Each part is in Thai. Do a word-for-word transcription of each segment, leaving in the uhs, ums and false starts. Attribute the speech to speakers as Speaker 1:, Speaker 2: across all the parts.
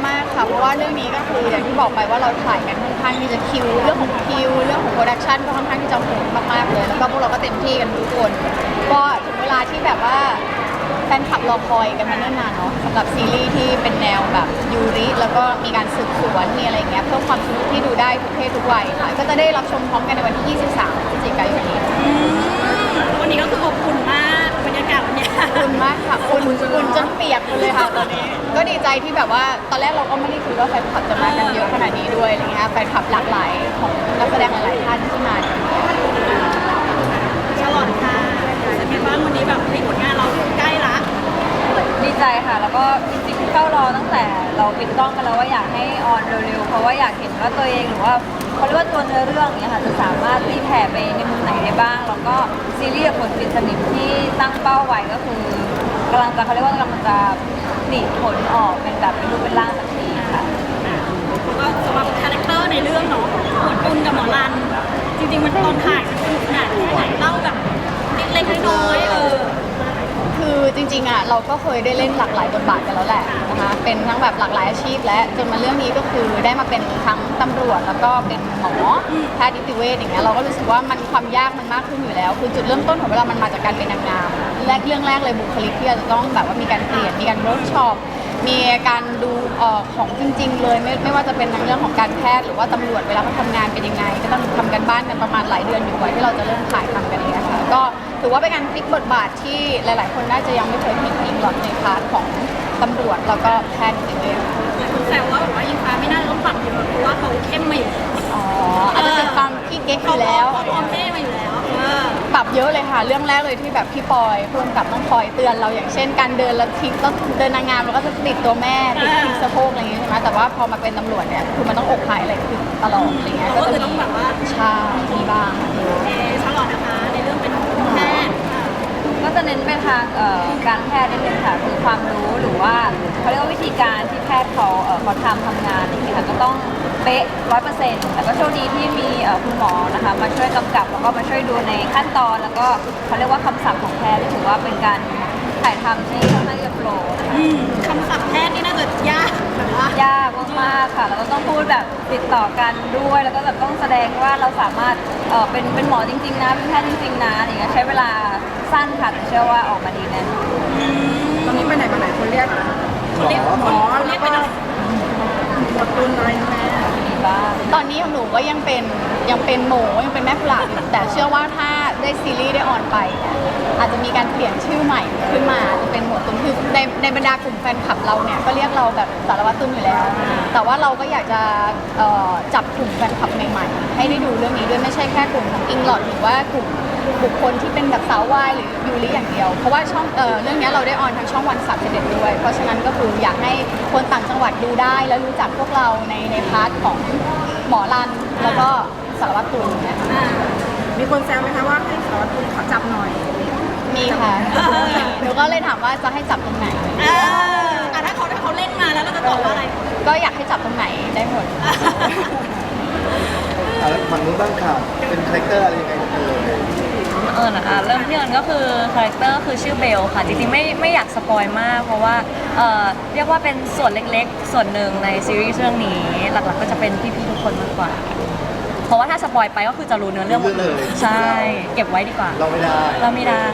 Speaker 1: มากค่ะเพราะว่าเรื่องนี้ก็คืออย่างที่บอกไปว่าเราถ่ายกันค่อนข้างที่จะคิวเรื่องของคิวเรื่องของโปรดักชันก็ค่อนข้างที่จะโหดมากๆเลยแล้วก็พวกเราก็เต็มที่กันทุกคนก็ถึงเวลาที่แบบว่าแฟนคลับรอคอยกันมาเนิ่นนานเนาะสำหรับซีรีส์ที่เป็นแนวแบบยูริแล้วก็มีการสืบสวนมีอะไรเงี้ยเพิ่มความสนุกที่ดูได้ทุกเพศทุกวัยค่ะก็จะได้รับชมพร้อมกันในวันที่ยี่สิบสามพฤศจิกายนนี้
Speaker 2: วันนี้ก็คืออบอุ่นมากบรรยากาศวันนี้
Speaker 1: อุ่นมากค่ะอุ่นอุ่นจนเปียกเลยค่ะตอนนี้ก็ดีใจที่แบบว่าตอนแรกเราก็ไม่ได้คิดว่าแฟนคลับจะมากันเยอะขนาดนี้ด้วยอะไรเงี้ยแฟนคลับหลากหลายของนักแสดงหลายๆท่านที่มากัน
Speaker 2: ฉลองค่ะเป็นไงบ้างวันนี้แบบผลงานเราใกล้ละ
Speaker 3: ดีใจค่ะแล้วก็จริงๆเฝ้ารอตั้งแต่เราปิดกล้องกันแล้วว่าอยากให้ออนเร็วๆเพราะว่าอยากเห็นว่าตัวเองหรือว่าเขาเรียกว่าตัวเนื้อเรื่องเนี้ยค่ะจะสามารถตีแผ่ไปในมุมไหนได้บ้างแล้วก็ซีรีส์กับผลปิดสนิมที่ตั้งเป้าไว้ก็คือกำลังจะเขาเรียกว่ากำลังจะผลิผลออกเป็นแบบเป็นรูปเป็นร่างสักทีค่ะ
Speaker 2: แล้วก็สำหรับคาแรคเตอร์ในเรื่องเนาะหมวดปุณกับหมอรันจริงๆมันตอนถ่ายมันสนุกขนาดแค่ไหนเล่าแบบเล็กๆน้อยๆเออ
Speaker 1: คือจริงๆอ่ะเราก็เคยได้เล่นหลากหลายบทบาทกันแล้วแหละนะคะเป็นทั้งแบบหลากหลายอาชีพและจนมาเรื่องนี้ก็คือได้มาเป็นทั้งตำรวจแล้วก็เป็นหมอแพทย์นิติเวชอย่างเงี้ยเราก็รู้สึกว่ามันความยากมันมากขึ้นอยู่แล้วคือจุดเริ่มต้นของเวลามันมาจากการเป็นนางงามแรกเรื่องแรกเลยบุคลิกที่เราจะต้องแบบว่ามีการเปลี่ยนมีการเวิร์กช็อปมีการดูออกของจริงๆเลยไม่ไม่ว่าจะเป็นในเรื่องของการแพทย์หรือว่าตำรวจเวลาเขาทำงานเป็นยังไงก็ต้องทำกันบ้านกันประมาณหลายเดือนอยู่กว่าที่เราจะเริ่มถ่ายทำกันเลยค่ะก็ถือว่าเป็นการพลิกบทบาทที่หลายๆคนน่าจะยังไม่เคยเห็นอิงหลอดในพาร์ทของตำรวจแล้วก็แพทย์นิติเวช
Speaker 2: แซวว่าแบบว่าอิงฟ้าไม่น่าจะต้องปรับเยอะเพราะว่าเขาเข้มมาอยู่
Speaker 1: อ๋ออาจจะเป็นความที่เก๊กอยู่แล้ว
Speaker 2: เขาพร้อมเท่มาอยู่แล้ว
Speaker 1: ปรับเยอะเลยค่ะเรื่องแรกเลยที่แบบพี่ปอยพูดกับน้องพลอยเตือนเราอย่างเช่นการเดินแล้วทิ้งต้องเดินนางงามเราก็จะติดตัวแม่ติดทิ้งสะโพกอะไรอย่างเงี้ยใช่ไหมแต่ว่าพอมาเป็นตำรวจเนี่ยคือมันต้องอกหายอะไรขึ้นตลอดอะไรเงี้ย
Speaker 2: ก็จะต้องแบบว่า
Speaker 1: ใช่มีบ้าง
Speaker 2: เอฉลอดนะคะในเรื่องเป็นแพทย์
Speaker 3: ก็จะเน้นไปทางการแพทย์นิดนึงค่ะคือความรู้หรือว่าเขาเรียกว่าวิธีการที่แพทย์เขาเขาทำทำงานอย่างเงี้ยค่ะก็ต้องเป๊ะร้อยเปอร์เซ็นต์แต่ก็โชคดีที่มีคุณหมอนะคะมาช่วยกำกับแล้วก็มาช่วยดูในขั้นตอนแล้วก็เขาเรียกว่าคำศัพท์ของแพทย์ที่ถือว่าเป็นการถ่ายทำที่ค่อนข้างจะโปร
Speaker 2: คำศัพท์แพทย์นี่น่าจะยากแบบว่าย
Speaker 3: ากมากๆค่ะแล้วก็ต้องพูดแบบติดต่อกันด้วยแล้วก็แบบต้องแสดงว่าเราสามารถเออเป็นเป็นหมอจริงๆนะเป็นแพทย์จริงๆนะอย่างเงี้ยใช้เวลาสั้นค่ะแต่เชื่อว่าออกมาดีแน่
Speaker 4: ตอนนี้ไปไหนมาไหนคนเรียก
Speaker 2: เรียกหมอเรียกเป็นอะไร
Speaker 4: หมอตุนอะไรแม่
Speaker 1: ตอนนี้ของหนูก็ยังเป็นยังเป็นหมูยังเป็นแม่กุหลาบอยู่แต่เชื่อว่าถ้าได้ซีรีส์ได้ออนไปเนี่ยอาจจะมีการเปลี่ยนชื่อใหม่ขึ้นมาจะเป็นหมวดตุ้มคือในในบรรดากลุ่มแฟนคลับเราเนี่ยก็เรียกเราแบบสารวัตรตุ้มอยู่แล้วแต่ว่าเราก็อยากจะจับกลุ่มแฟนคลับใหม่ๆให้ได้ดูเรื่องนี้ด้วยไม่ใช่แค่กลุ่มของอิงหลอดหรือว่ากลุ่มบุคคลที่เป็นแบบสาววายหรือยูริอย่างเดียวเพราะว่าช่องเอ่อเรื่องนี้เราได้ออนทางช่องวันสามสิบเอ็ดด้วยเพราะฉะนั้นก็คืออยากให้คนต่างจังหวัดดูได้แล้วรู้จักพวกเราในในพาร์ทของหมอรันแล้วก็สารวัตรตูนเนี่ย
Speaker 4: มีคนแซวไหมคะว่าให้สารวัตรตูนขอจับหน่อย
Speaker 1: มีค่ะหนูก็เลยถามว่าจะให้จับตรงไหน
Speaker 2: อ่าถ้าเขาถ้าเขาเล่นมาแล้วเราจะตอบว่าอะไร
Speaker 1: ก็อยากให้จับตรงไหนได้หมด
Speaker 5: แล้วฝั่งนู้นบ้างค่ะเป็นคาแรคเตอร์อะไรยังไงกันเลย
Speaker 3: เออนะเริ่มที่มันก็คือคาแรคเตอร์คือชื่อเบลค่ะจริงๆไม่ไม่อยากสปอยมากเพราะว่าเอ่อเรียกว่าเป็นส่วนเล็กๆส่วนหนึ่งในซีรีส์เรื่องนี้หลักๆก็จะเป็นพี่ๆทุกคนมากกว่าเพราะว่าถ้าสปอยไปก็คือจะรู้เนื้อเรื่องหมดเลยใช่เก็บไว้ดีกว่า
Speaker 5: เราไม่ได้
Speaker 3: เราไม่ได้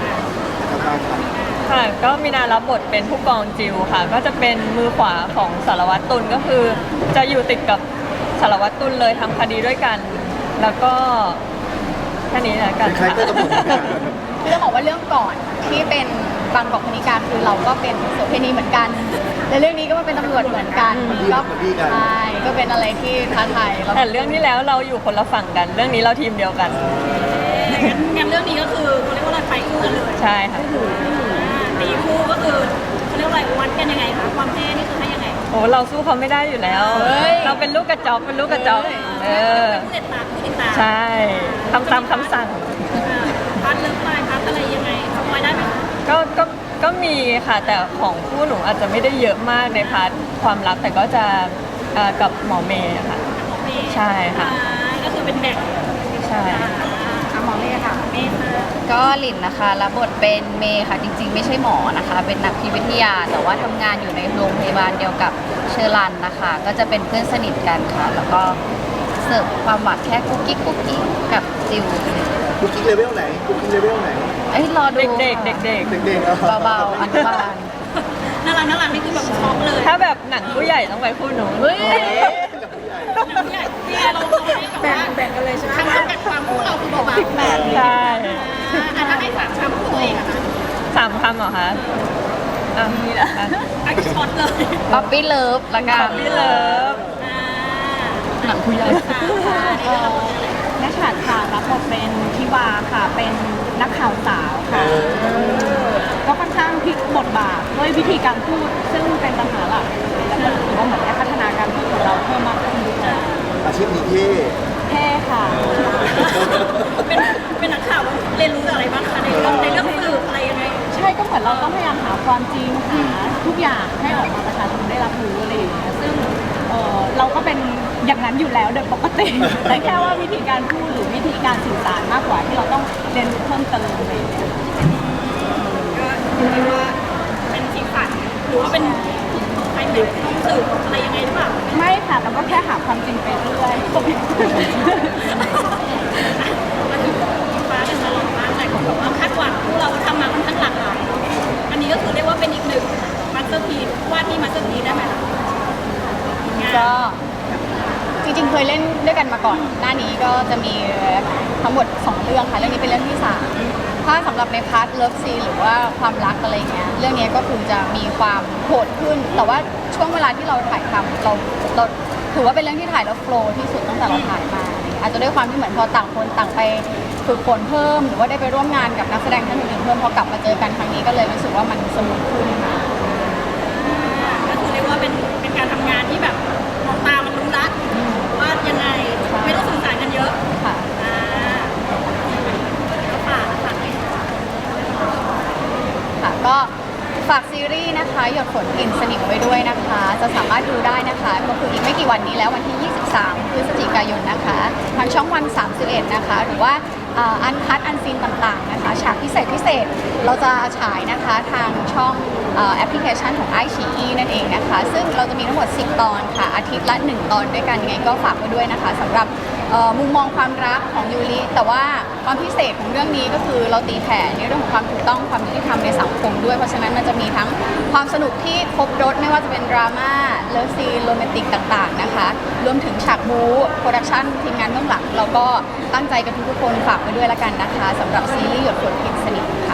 Speaker 6: ค่ะก็มีนารับบทเป็นผู้กองจิวค่ะก็จะเป็นมือขวาของสารวัตรตุลก็คือจะอยู่ติดกับสารวัตรตุลเลยทำคดีด้วยกันแล้วก็แค่นี้นะกัน
Speaker 5: ค่ะคือ
Speaker 1: ต้องบอกว่าเรื่องก่อนที่เป็นบางกอกคณิกาคือเราก็เป็นโสเภณีเหมือนกันในเรื่องนี้ก็มาเป็นตำรวจเหมือนกันก็ใช่ก็เป็นอะไรที่ท้าทาย
Speaker 6: แต่เรื่องที่แล้วเราอยู่คนละฝั่งกันเรื่องนี้เราทีมเดียวกัน
Speaker 2: งั้นเรื่องนี้ก็คือเขาเรียกว่าอะไรไฟคู่กันเลย
Speaker 6: ใช่ค่ะ
Speaker 2: ตีคู่ก็คือเขาเรียกว่าอะไรวัดกันยังไงคะความเท่นี่คือให้ยังไง
Speaker 6: โอ้เราสู้เขาไม่ได้อยู่แล้วเราเป็นลูกกระจอกเป็นลูกกระจอกเออ
Speaker 2: ผู้ติดตามผู้ติดตาม
Speaker 6: ใช่ทำตามคำสั่ง
Speaker 2: พาร์ทเลิฟไลน์พาร์ทอะไรยังไงสปอยได้ไหม
Speaker 6: ก็ก็ก็มีค่ะแต่ของคู่หนูอาจจะไม่ได้เยอะมากในพาร์ทความรักแต่ก็จะกับหมอเมย์ค่ะใช่ค่ะ
Speaker 2: ก็คือเป็นแบ่ง
Speaker 6: ใช่
Speaker 4: หมอเมย์ค่ะ
Speaker 2: เมย์ค่ะ
Speaker 1: ก็หลินนะคะรับบทเป็นเมย์ค่ะจริงๆ ไม่ใช่หมอนะคะ เป็นนักพิษวิทยา แต่ว่าทำงานอยู่ในโรงพยาบาลเดียวกับเชอรันนะคะ ก็จะเป็นเพื่อนสนิทกันค่ะ แล้วก็เสิร์ฟความหวานแค่กุ๊กกิ๊กกุ๊กกิ๊กกับจิว
Speaker 5: คุกกิ้งเลเวลไหนคุกกิ้งเลเวลไหน
Speaker 1: เอ้ยรอดู
Speaker 6: เด็กๆ
Speaker 1: ค่ะ
Speaker 6: เด็ก
Speaker 5: เด็กๆอ่ะ
Speaker 1: เบาๆอนุบาล
Speaker 2: น่ารักน่ารักนี่คือแบบช็อกเลย
Speaker 6: ๆ ถ้าแบบหนังผู้ใหญ่ต้องไปคู่หนู
Speaker 1: เฮ้ย
Speaker 5: กับผู้ใหญ่
Speaker 2: ผู้ใหญ่พี่เราเราให้แบบ
Speaker 4: แบ่ง
Speaker 2: ว่า
Speaker 4: แบ่งกันเลยใช่ไหม
Speaker 2: ทำจำกัดความคู่เราคือเบาๆแบบ
Speaker 6: ใช่
Speaker 2: อ่าอ่ะถ้าให้สามคำคู่ตัวเองอะคะ
Speaker 6: สามคำเหรอคะอ่ะมีละ
Speaker 2: อันช็อตเลย
Speaker 1: ป๊อปปี้เลิฟละกัน
Speaker 6: พี่เลิฟ
Speaker 2: อ่า
Speaker 1: หนังผู้ใหญ่
Speaker 2: ค่ะค่ะนี่ก็
Speaker 7: นักข่าวค่ะรับบทเป็นทิวาค่ะ เป็นนักข่าวสาวค่ะ ก็ค่อนข้างพลิกบทบาทด้วยวิธีการพูด ซึ่งเป็นปัญหาหลักเลยแล้วก็รู้สึกว่าเหมือนได้พัฒนาการพูดของเราเพิ่มมากขึ้นด้วย
Speaker 5: อาชีพนี้เท่
Speaker 7: เท่ค่ะ
Speaker 2: เป็นเป็นนักข่าวเรียนรู้จากอะไรบ้างคะในเรื่องในเรื่องสื่ออะไรยังไง
Speaker 7: ใช่ก็เหมือนเราต้องพยายามหาความจริงหาทุกอย่างให้ออกมาประชาชนได้รับรู้อะไรอย่างเงี้ยซึ่งเอ่อเราก็เป็นอย่างนั้นอยู่แล้วโดยปกติ แต่แค่ว่าวิธีการพูดหรือวิธีการสื่อสารมากกว่าที่เราต้องเรียนรู้เพิ่มเติมอะไรอย่างเงี้ย
Speaker 2: ก็เรียกว่าเป็นสีสันหรือว่าเป็นใครไหนต้องสืบอะไรยังไงหรือเปล่า
Speaker 7: ไม่ค่ะเราก็แค่หาความจริงไปเรื่อย
Speaker 2: มาถึงฟ้ากันตลอดมากแต่ก็บอกว่าคาดหวังพวกเราทำมาค่อนข้างหลากหลายอันนี้ก็คือเรียกว่าเป็นอีกหนึ่งมาสเตอร์พีซวาดที่มาสเตอร์พีซได้ไหมคะงาน
Speaker 1: ก็จริงๆ เคยเล่นด้วยกันมาก่อน หน้านี้ก็จะมีทั้งหมดสองเรื่องค่ะ เรื่องนี้เป็นเรื่องที่สามถ้าสำหรับในพาร์ทเลิฟซีหรือว่าความรักอะไรเงี้ย เรื่องนี้ก็คือจะมีความโหดขึ้น แต่ว่าช่วงเวลาที่เราถ่ายทำเราเราถือว่าเป็นเรื่องที่ถ่ายแล้วโฟลว์ที่สุดตั้งแต่เราถ่ายมา อาจจะด้วยความที่เหมือนพอต่างคนต่างไปฝึกฝนเพิ่ม หรือว่าได้ไปร่วมงานกับนักแสดงท่านอื่นๆเพิ่มพอกลับมาเจอกันครั้งนี้ก็เลยรู้สึกว่ามันสมูทขึ้นค่ะ
Speaker 2: ก็คือเรียกว่าเป็นเป็นการทำงานที่แบบมองตามันรู้ละว่ายังไงไม่ต้องสื่อสารกันเยอะ
Speaker 1: ค่ะ
Speaker 2: อ่าก็ฝากฝากให้
Speaker 1: ค่ะก็ฝากซีรีส์นะคะหยดฝนกลิ่นสนิมไว้ด้วยนะคะ จะสามารถดูได้นะคะก็คืออีกไม่กี่วันนี้แล้ววันที่ ยี่สิบสาม พฤศจิกายนนะคะทางช่องวัน สามสิบเอ็ด นะคะ หรือว่าอันคัดอันซีนต่างๆนะคะฉากพิเศษพิเศษเราจะฉายนะคะทางช่องเอ่อแอปพลิเคชันของไอชีอีนั่นเองนะคะ ซึ่งเราจะมีทั้งหมด สิบ ตอนค่ะ อาทิตย์ละ หนึ่ง ตอนด้วยกันยังไงก็ฝากไว้ด้วยนะคะสำหรับเอ่อมุมมองความรักของยูริแต่ว่าความพิเศษของเรื่องนี้ก็คือเราตีแผ่ในเรื่องของความถูกต้องความยุติธรรมในสังคมด้วยเพราะฉะนั้นมันจะมีทั้งความสนุกที่ครบรถไม่ว่าจะเป็นดราม่าเลิฟซีนโรแมนติกต่างๆนะคะรวมถึงฉากบู๊โปรดักชั่นทีมงานเบื้องหลังเราก็ตั้งใจกันทุกๆคนฝากไว้ด้วยละกันนะคะสำหรับซีรีส์หยดฝนกลิ่นสนิท